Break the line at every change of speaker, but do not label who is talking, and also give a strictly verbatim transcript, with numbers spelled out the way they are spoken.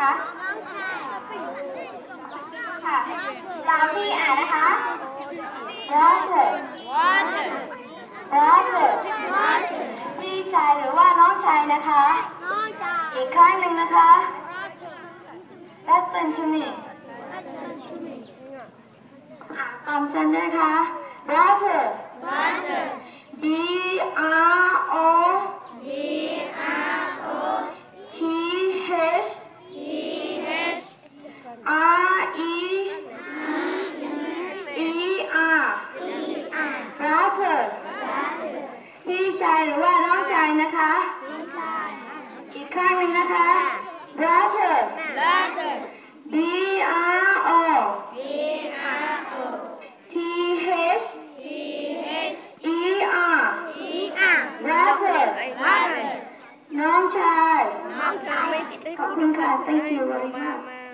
คะค่ะตามที่อ่านนะคะ brother brother พี่ชายหรือว่าน้องชายนะคะอีกครั้งหนึ่งนะคะ listen to me ตามฉันนะคะ brother B R O T H R E E R brother พี่ชายหรือว่าน้องชายนะคะอีกครั้งหนึ่งนะคะ brother B R O T H E R brother น้องชายขอบคุณค่ะ thank you very much